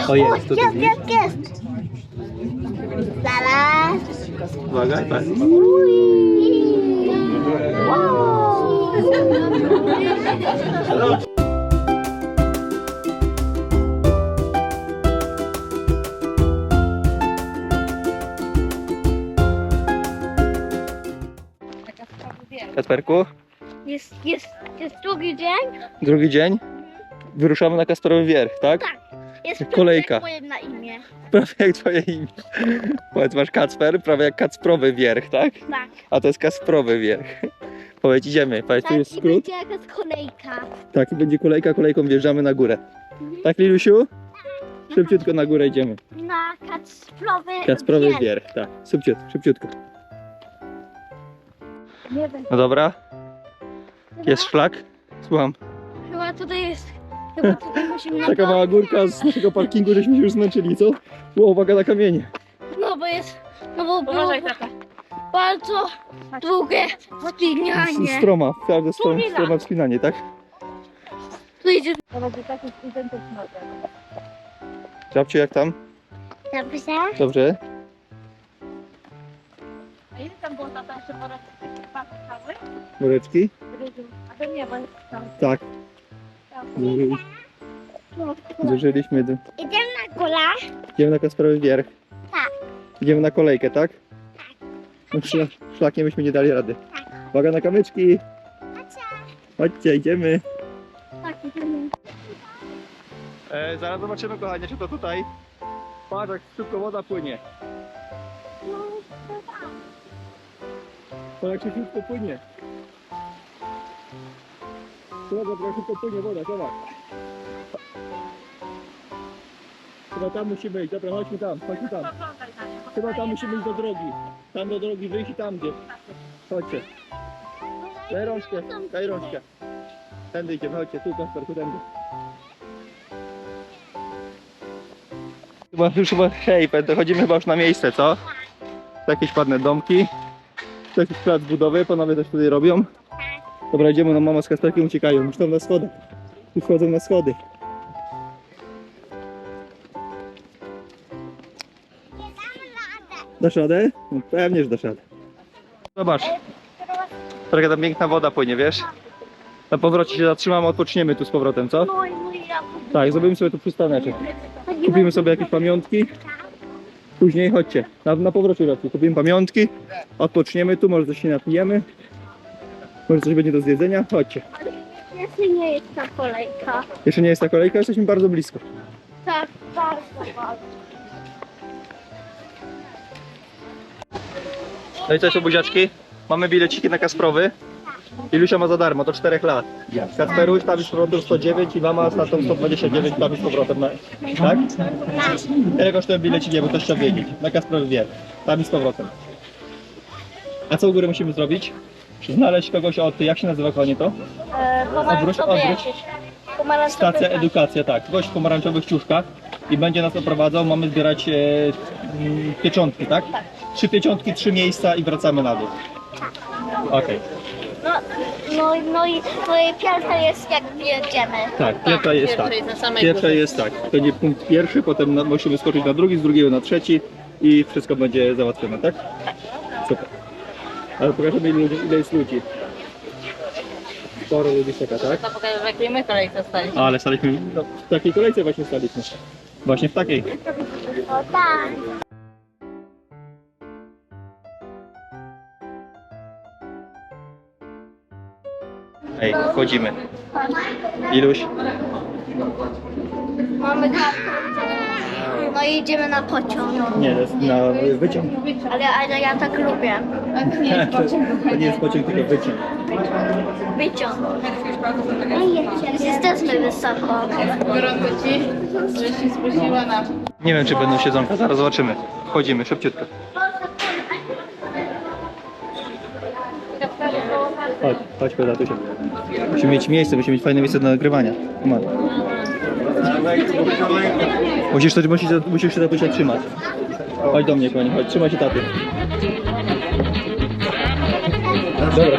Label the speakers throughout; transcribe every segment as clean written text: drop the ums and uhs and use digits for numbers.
Speaker 1: O, jest, tutaj widzisz?
Speaker 2: Jest. Zaraz.
Speaker 1: Uwaga, tak. Kasperku,
Speaker 2: Jest drugi dzień?
Speaker 1: drugi dzień. Wyruszamy na Kasperowy Wierch, tak?
Speaker 2: Tak. Jest
Speaker 1: Kolejka.
Speaker 2: Moje na imię.
Speaker 1: Prawie jak twoje imię. Powiedz, masz Kacper, prawie jak Kacprowy Wierch, tak?
Speaker 2: Tak.
Speaker 1: A to jest Kasprowy Wierch. Powiedz, idziemy. Powiedz, tu
Speaker 2: Tak,
Speaker 1: jest
Speaker 2: i
Speaker 1: skrót.
Speaker 2: będzie jakaś kolejka.
Speaker 1: Tak, i będzie kolejka, kolejką wjeżdżamy na górę. Tak, Lilusiu? Szybciutko na górę idziemy.
Speaker 2: Na Kacprowy
Speaker 1: Kacprowy
Speaker 2: Wierch.
Speaker 1: Wierch, tak. Szybciutko.
Speaker 2: Nie wiem.
Speaker 1: No dobra. Jest szlak? Słucham.
Speaker 2: Chyba tutaj jest. Chyba tutaj musimy na
Speaker 1: Taka mała górka z naszego parkingu, żeśmy się już zmęczyli, co? Było, uwaga na kamienie.
Speaker 2: No bo jest. No bo było bardzo długie wspinanie.
Speaker 1: Stroma, każde stroma wspinanie, tak?
Speaker 2: Tu idzie.
Speaker 1: Żabciu, jak tam?
Speaker 2: Dobrze.
Speaker 1: Dobrze?
Speaker 3: A ile tam było tata jeszcze po raz cały?
Speaker 1: Woreczki?
Speaker 3: A to nie, bo jest tam.
Speaker 1: Tak. Zużyliśmy.
Speaker 2: Idziemy na górę.
Speaker 1: Idziemy na Kasperowy Wierch.
Speaker 2: Tak.
Speaker 1: Idziemy na kolejkę, tak? No, szlakiem byśmy nie dali rady. Uwaga na kamyczki. Chodźcie, idziemy.
Speaker 2: Tak, idziemy.
Speaker 1: Zaraz zobaczymy, kochanie, czy to tutaj. Patrz, jak szybko woda płynie. Patrz, jak się szybko płynie. Zobacz, jak szybko płynie woda, zobacz. Chyba tam musimy iść, dobra, chodźmy tam. Chyba tam musimy iść do drogi. Tam do drogi wyjść i tam gdzieś. Chodźcie. Daj rączkę. Tędy idziemy, chodźcie, tu Kasperku, tędy. Hej, chodzimy chyba już na miejsce, co? Jakieś ładne domki. To jakiś plac budowy, panowie też tutaj robią. Dobra, idziemy, no mama z Kasperkiem uciekają, już tam na schodach. Już wchodzą na schody. Dasz radę? No, pewnie, że dasz radę. Zobacz. Trochę tam piękna woda płynie, wiesz? Na powrocie się zatrzymamy, odpoczniemy tu z powrotem, co?
Speaker 2: No i ja.
Speaker 1: Tak, zrobimy sobie tu przystaneczek. Kupimy sobie jakieś pamiątki. Później chodźcie, na powrocie raczej. Kupimy pamiątki, odpoczniemy tu, może coś się napijemy. Może coś będzie do zjedzenia, chodźcie.
Speaker 2: Jeszcze nie jest ta kolejka.
Speaker 1: Jeszcze nie jest ta kolejka, jesteśmy bardzo blisko.
Speaker 2: Tak, bardzo.
Speaker 1: No i co są buziaczki? Mamy bileciki na Kasprowy. Ilusia ma za darmo, to 4 lat. Kacperuś tam z powrotem 109 i mama z tatą 129 tam z powrotem. Tak? Ile kosztują bileciki, bo to trzeba wiedzieć. Na Kasprowy Wierch. Tam i z powrotem. A co u góry musimy zrobić? Znaleźć kogoś od... Jak się nazywa, kochanie, to? Odwróć. Stacja edukacja, tak. Gość w pomarańczowych ciuszkach i będzie nas oprowadzał. Mamy zbierać pieczątki, tak? 3 pieczątki, 3 miejsca i wracamy na dół. Okej.
Speaker 2: No i pierwsza jest jak jedziemy.
Speaker 1: Tak, pierwsza jest tak. Pierwsza jest tak. To nie punkt pierwszy, potem musimy skoczyć na drugi, z drugiego na trzeci i wszystko będzie załatwione, tak? Super. Ale pokażemy ile jest ludzi. Sporo ludzi czeka, tak?
Speaker 3: To pokażę, w jakiej my kolejce staliśmy.
Speaker 1: Ale staliśmy, no, w takiej kolejce właśnie staliśmy. Właśnie w takiej.
Speaker 2: O tak.
Speaker 1: Ej, wchodzimy. Iluś?
Speaker 2: Mamy kartę. No i idziemy na pociąg.
Speaker 1: Nie, to jest na wyciąg.
Speaker 2: Ale ja tak lubię.
Speaker 1: To nie jest pociąg, tylko wyciąg.
Speaker 2: Wyciąg. Jesteśmy wysoko.
Speaker 3: Gorąco ci, że się spóźniła na...
Speaker 1: Nie wiem, czy będą siedzonka, zaraz zobaczymy. Wchodzimy, szybciutko. Chodź, Tatusia. Musimy mieć miejsce, musimy mieć fajne miejsce do nagrywania. Come on. Musisz się Tatusia trzymać. Chodź do mnie, kochanie, chodź, trzymaj się taty. Dobra.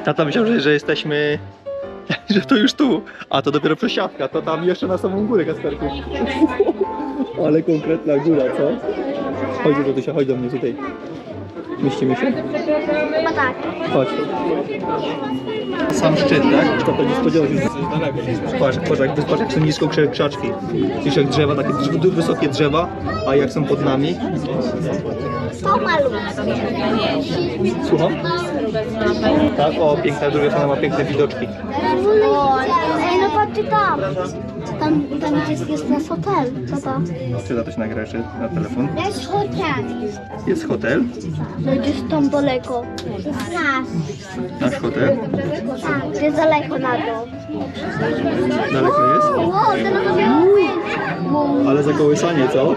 Speaker 1: Tata myślał, że jesteśmy, że to już tu, a to dopiero przesiadka, to tam jeszcze na samą górę, Kasperku. Ale konkretna góra, co? Chodź do Tusia, chodź do mnie tutaj. Mieścimy się?
Speaker 2: No tak.
Speaker 1: Chodź. Sam szczyt, tak? To nie spodziewał się, że coś daleko. Patrz, jak są nisko krzaczki. Widzisz jak drzewa, takie wysokie drzewa, a jak są pod nami.
Speaker 2: To malutkie.
Speaker 1: Słucham? Tak, o, piękna, druga strona ma piękne widoczki.
Speaker 2: Ej, no patrzcie tam. Tam jest nasz hotel. Co to?
Speaker 1: Czy za coś nagrasz na telefon?
Speaker 2: Jest hotel.
Speaker 1: Jest hotel.
Speaker 2: No gdzieś tam daleko. Nasz.
Speaker 1: Nasz hotel.
Speaker 2: Tak, gdzie daleko na dół.
Speaker 1: Daleko jest?
Speaker 2: Wow, teraz robię
Speaker 1: Ale zakołysanie, co?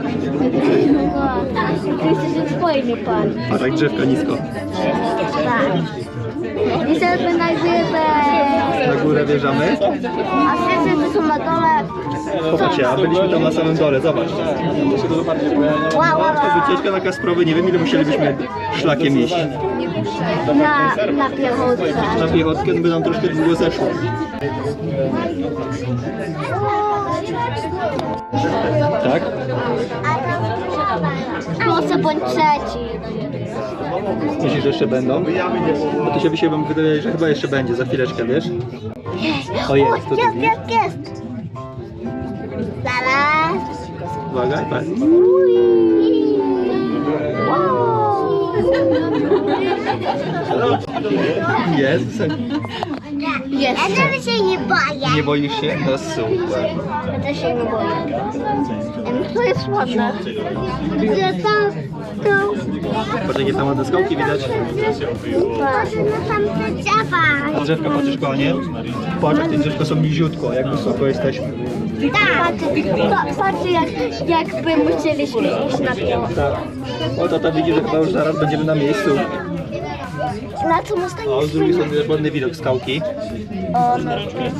Speaker 2: Myślę, że fajnie pan.
Speaker 1: Patrz jak drzewka nisko.
Speaker 2: Tak. I teraz my na górę.
Speaker 1: Na górę wjeżdżamy.
Speaker 2: A wszyscy są na dole.
Speaker 1: Popatrzcie, a byliśmy tam na samym dole, zobacz.
Speaker 2: Wow, wow,
Speaker 1: To wycieczka na Kasprowy, nie wiem ile musielibyśmy szlakiem iść.
Speaker 2: na piechotce.
Speaker 1: Na piechotkę by nam troszkę długo zeszło. Tak?
Speaker 2: Proszę bądź trzeci.
Speaker 1: Myślisz, że jeszcze będą? Bo to się wydaje, że chyba jeszcze będzie za chwileczkę, wiesz? O jest, to
Speaker 2: Jest, jest, jest. Zaraz.
Speaker 1: Uwaga, tak. Jest.
Speaker 2: Jest. Ja też się nie boję.
Speaker 1: Nie boisz się? No super.
Speaker 2: Ja też się nie boję. To jest ładne. Gdzie tam?
Speaker 1: Patrz jakie tam ładne skałki widać.
Speaker 2: Patrz na tamte drzewa.
Speaker 1: A drzewka patrzysz kochanie? Patrz jak te drzewka są niziutko, jak wysoko jesteśmy.
Speaker 2: Tak. Patrz jakby musieliśmy iść na to.
Speaker 1: Tak. O tata widzi, że chyba już zaraz będziemy na miejscu.
Speaker 2: Na co można
Speaker 1: O, z
Speaker 2: iść?
Speaker 1: drugiej strony jest ładny widok skałki.
Speaker 2: O, no.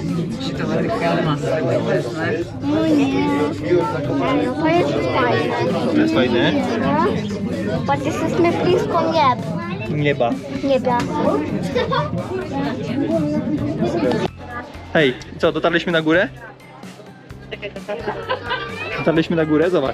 Speaker 2: No nie. No to jest fajne.
Speaker 1: To jest fajne.
Speaker 2: No. Patrz, jesteśmy blisko
Speaker 1: Nieba.
Speaker 2: nieba.
Speaker 1: Hej, co, dotarliśmy na górę? Dotarliśmy na górę, zobacz.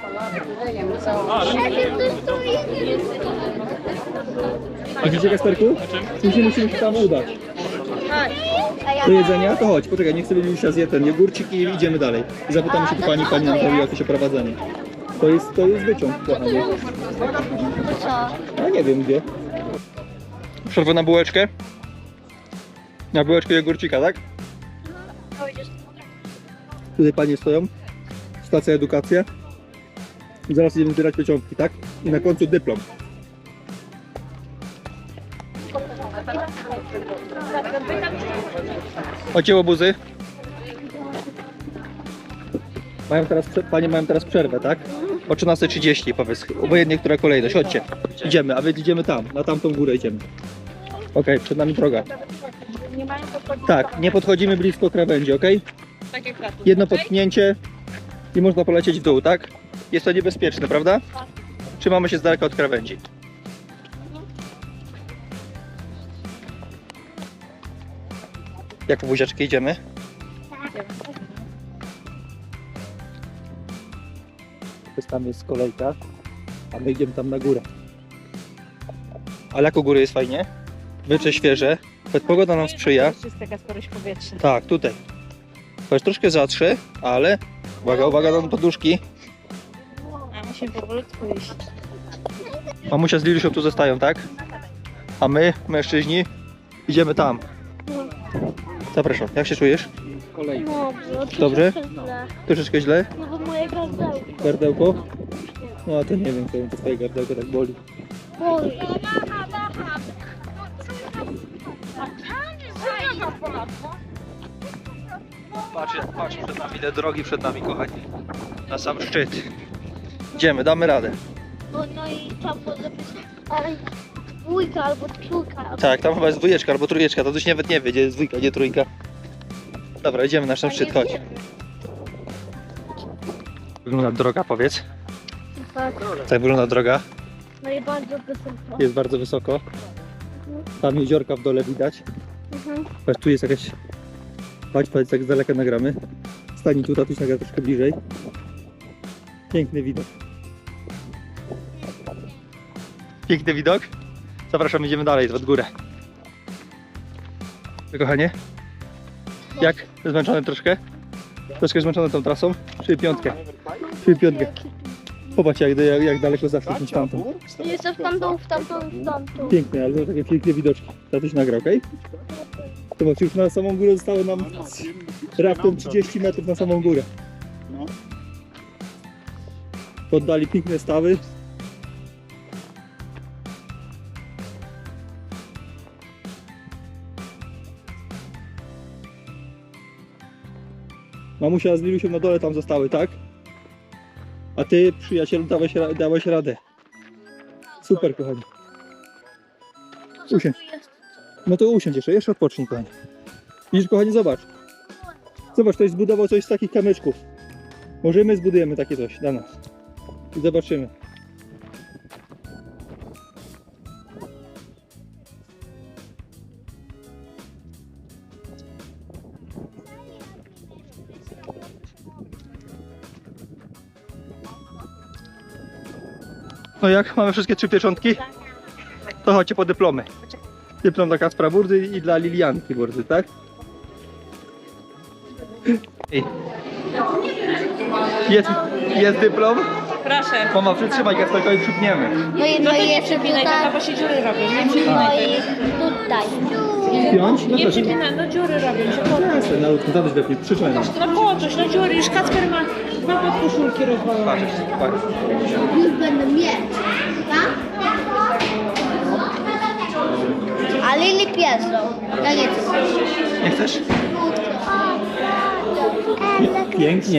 Speaker 1: A widzicie Kasperku? Musimy się tam udać. Do jedzenia? To chodź, poczekaj, niech sobie Julia zje ten jogurcik i idziemy dalej. I zapytamy się pani nam powie jakieś oprowadzenie. To jest wyciąg, kochanie.
Speaker 2: Co?
Speaker 1: A nie wiem gdzie. Przerwę na bułeczkę? Na bułeczkę jogurcika, tak? Tutaj panie stoją. Stacja edukacja. I zaraz idziemy zbierać pieczątki, tak? I na końcu dyplom. Ocięło buzy. Panie mają teraz przerwę, tak? O 13:30 powiedz, obojętnie która kolejność, chodźcie. Idziemy, a wy idziemy tam, na tamtą górę idziemy. Okej, przed nami droga. Tak, nie podchodzimy blisko krawędzi, okej?
Speaker 3: Tak jak tatu.
Speaker 1: Jedno potknięcie i można polecieć w dół, tak? Jest to niebezpieczne, prawda? Trzymamy się z daleka od krawędzi. Jak po buziaczki idziemy? Tam jest kolejka, a my idziemy tam na górę. Ale jak u góry jest fajnie, wycze świeże, pogoda nam sprzyja.
Speaker 3: Jest taka sporość powietrza.
Speaker 1: Tak, tutaj. To jest troszkę zatrze, ale uwaga, uwaga na poduszki.
Speaker 3: A musimy powolutku iść.
Speaker 1: Mamusia z Lilusią tu zostają, tak? A my, mężczyźni, idziemy tam. Zapraszam, jak się czujesz? Dobrze? Troszeczkę źle?
Speaker 2: No bo moje gardełko.
Speaker 1: Gardełko? No to nie wiem, to twoje gardełko tak boli.
Speaker 2: Boli.
Speaker 1: Patrz przed nami, ile drogi przed nami, kochani. Na sam szczyt. Idziemy, damy radę.
Speaker 2: No i tam ale dwójka albo trójka.
Speaker 1: Tak, tam chyba jest dwójeczka albo trójeczka, to coś nawet nie wie, gdzie jest dwójka, gdzie trójka. Dobra, idziemy na sam szczyt, chodź. Wygląda droga, powiedz.
Speaker 2: Tak.
Speaker 1: Tak wygląda droga.
Speaker 2: No i bardzo wysoko.
Speaker 1: Jest bardzo wysoko. Tam jeziorka w dole widać. Patrz, tu jest jakaś... Patrz, tak z daleka nagramy. Stań tu, tatuś nagra troszkę bliżej. Piękny widok. Piękny widok. Zapraszam, idziemy dalej, w górę. Kochanie? Jak? Zmęczony troszkę? Troszkę zmęczony tą trasą? Czyli piątkę. Czyli piątkę. Popatrz jak daleko zaszło niż tamtą.
Speaker 2: Jeszcze w tamtą, w tamtą, w tamtą.
Speaker 1: Piękne, ale to takie piękne widoczki. Tatuś nagrał, okej? Zobacz, już na samą górę zostało nam raptem 30 metrów na samą górę. Poddali piękne stawy. Mamusia z Lilusią na dole tam zostały, tak? A ty, przyjacielu, dałeś radę. Super, kochani. Usiądź. No to usiądź jeszcze odpocznij, kochani. Widzisz, kochani, zobacz. Zobacz, ktoś zbudował coś z takich kamyczków. Może my zbudujemy takie coś dla nas. I zobaczymy. No jak? Mamy wszystkie 3 pieczątki? To chodźcie po dyplomy. Dyplom dla Kacpra Burdy i dla Lilianki Burdy, tak? Ej. Jest dyplom?
Speaker 3: Proszę.
Speaker 1: Mama, przytrzymaj Kacperka i przypniemy.
Speaker 2: No i,
Speaker 3: No to
Speaker 2: i
Speaker 3: nie
Speaker 2: jeszcze
Speaker 3: przypinaj,
Speaker 2: tutaj.
Speaker 3: tata, bo się dziury robią. Nie
Speaker 2: No
Speaker 3: przypinaj.
Speaker 2: i tutaj.
Speaker 1: Piąć? No
Speaker 3: Nie
Speaker 1: to
Speaker 3: przypinaj, no dziury robią się.
Speaker 1: jasne, na lutku, tatuś wepnie, przytrzymaj nam.
Speaker 3: No po coś, no dziury. Już Kacper ma podkoszulki rozwalone.
Speaker 1: Patrz.
Speaker 2: Już będę mieć. Tak? A Lili piesą. Ja nie chcę.
Speaker 1: Nie chcesz? Pięknie.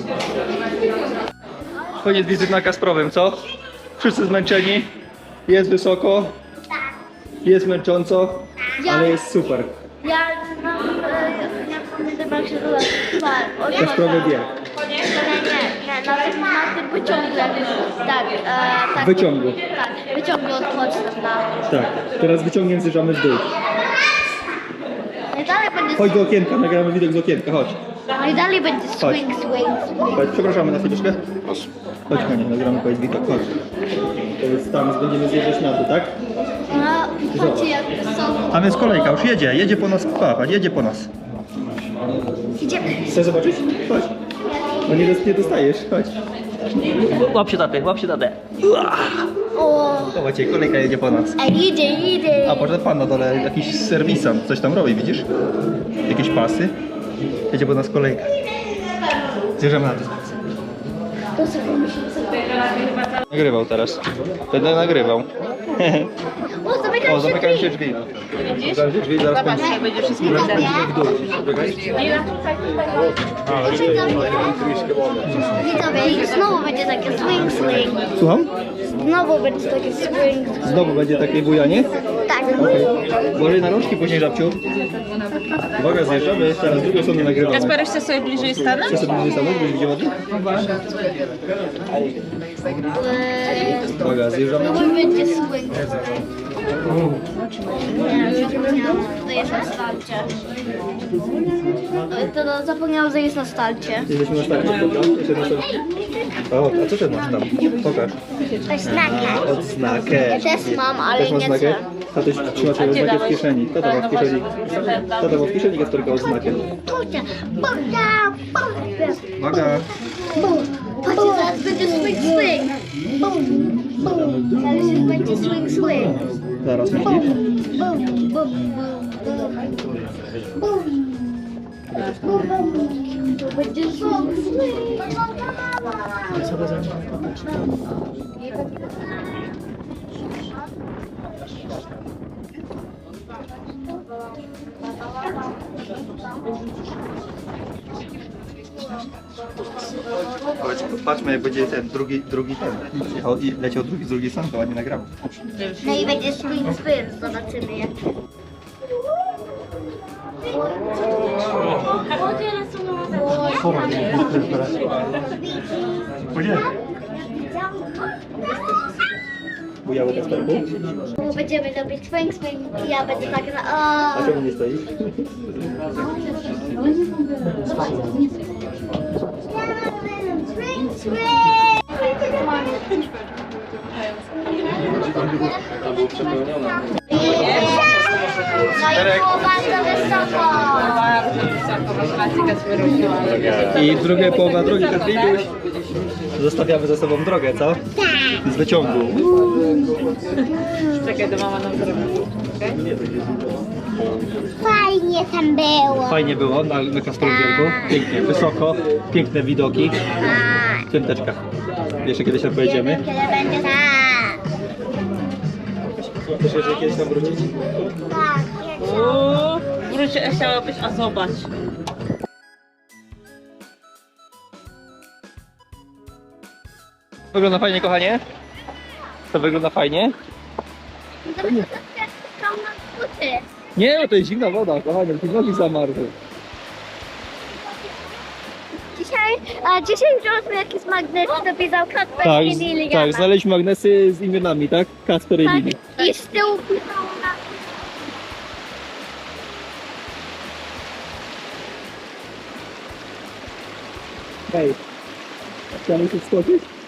Speaker 1: Koniec wizyty na Kasprowym, co? Wszyscy zmęczeni. Jest wysoko. Jest męcząco, ale jest super.
Speaker 2: Ja pamiętam jak się to
Speaker 1: Kasprowy bieg.
Speaker 2: Nie, na tym wyciągu jakby, tak.
Speaker 1: Wyciągu.
Speaker 2: Tak, wyciągu odpocznę na...
Speaker 1: Tak, teraz wyciągiem zjeżdżamy w dół.
Speaker 2: No i dalej będzie
Speaker 1: Chodź do okienka, nagramy widok z okienka, chodź.
Speaker 2: No i dalej będzie swing.
Speaker 1: Chodź, przepraszamy na chwileczkę. Chodź konie, nagramy powiedz widok, chodź. To jest tam, będziemy zjeżdżać na dół, tak?
Speaker 2: No, patrzcie jak są.
Speaker 1: A więc kolejka już jedzie po nas, patrz, jedzie po nas.
Speaker 2: Idziemy.
Speaker 1: Chcesz zobaczyć? Chodź. No nie dostajesz, chodź. Łap się tatę.
Speaker 2: O,
Speaker 1: Zobaczcie, kolejka jedzie po nas.
Speaker 2: idzie.
Speaker 1: A potem pan na dole, jakiś serwisant, coś tam robi, widzisz? Jakieś pasy. Jedzie po nas kolejka. Zjeżdżamy na to.
Speaker 2: To sobie myślę.
Speaker 1: Nagrywał teraz. Będę nagrywał.
Speaker 2: O, zamykam się
Speaker 1: drzwi. Zamykam się drzwi, zaraz
Speaker 3: Zobacz, jak będzie wszystko widać.
Speaker 1: w dół.
Speaker 2: Widzowie, znowu będzie takie swing.
Speaker 1: Słucham?
Speaker 2: Znowu będzie takie swing.
Speaker 1: Znowu będzie takie bujanie?
Speaker 2: Tak.
Speaker 1: Okej. Uważaj na rączki później, żabciu. Uwaga, zjeżdżamy. Teraz z drugiej strony nagrywamy.
Speaker 3: Kasper, chce sobie bliżej stanąć?
Speaker 1: Chcesz sobie bliżej stanąć, byś widział ładnie? Uwaga, zjeżdżamy.
Speaker 2: Znowu będzie swing. To jest na starcie. To zapomniałam, że jest na starcie.
Speaker 1: Jesteśmy na starcie, dobra? Jeszcze na starcie. O, a co ty masz tam? Pokaż.
Speaker 2: To jest znakę.
Speaker 1: Odznakę.
Speaker 2: Ja też mam, ale
Speaker 1: Też masz
Speaker 2: nie
Speaker 1: znakę?
Speaker 2: chcę.
Speaker 1: Tatuś trzyma sobie odznakę w kieszeni. Tata ma w kieszeni. Tata ma w kieszeni Kasperka odznakę.
Speaker 2: Tucia.
Speaker 1: Uwaga.
Speaker 2: Patrzcie, zaraz będzie swing. Zaraz będzie swing.
Speaker 1: Zaraz myślisz?
Speaker 2: To będzie swing.
Speaker 1: Patrzmy jak będzie ten drugi ten. Jechał i leciał drugi z drugiej strony, to ładnie nagrał.
Speaker 2: No i będzie swing. Zobaczymy jak.
Speaker 1: Gdzie? bujały Kasperku?
Speaker 2: Będziemy robić swing i ja będę tak na...
Speaker 1: A czemu nie stoisz?
Speaker 2: No i było bardzo wysoko.
Speaker 1: I druga połowa drogi, Kasperuś. Zostawiamy za sobą drogę, co? Z wyciągu.
Speaker 3: Czekaj, do mama nam zrobi.
Speaker 2: Fajnie tam było.
Speaker 1: Fajnie było na Kasperwielku. Pięknie, wysoko, piękne widoki. Piąteczka. Jeszcze kiedyś tam pojedziemy.
Speaker 2: Kiedy będzie tak.
Speaker 1: Myślę, że kiedyś tam wrócić.
Speaker 2: Tak.
Speaker 3: Wróć, chciałabyś, a zobacz.
Speaker 1: Wygląda fajnie, kochanie? To wygląda fajnie?
Speaker 2: Tam na skuty.
Speaker 1: Nie, no to jest zimna woda, kochanie, ty nogi zamarzły.
Speaker 2: Dzisiaj wziąłem jakiś magnes, dopisał Kacper
Speaker 1: Tak,
Speaker 2: i Lili.
Speaker 1: tak, znaleźliśmy magnesy z imionami, tak? Kacper i
Speaker 2: Tak,
Speaker 1: Lili.
Speaker 2: i z tyłu pisało na...
Speaker 1: Hej, chciałem się skoczyć?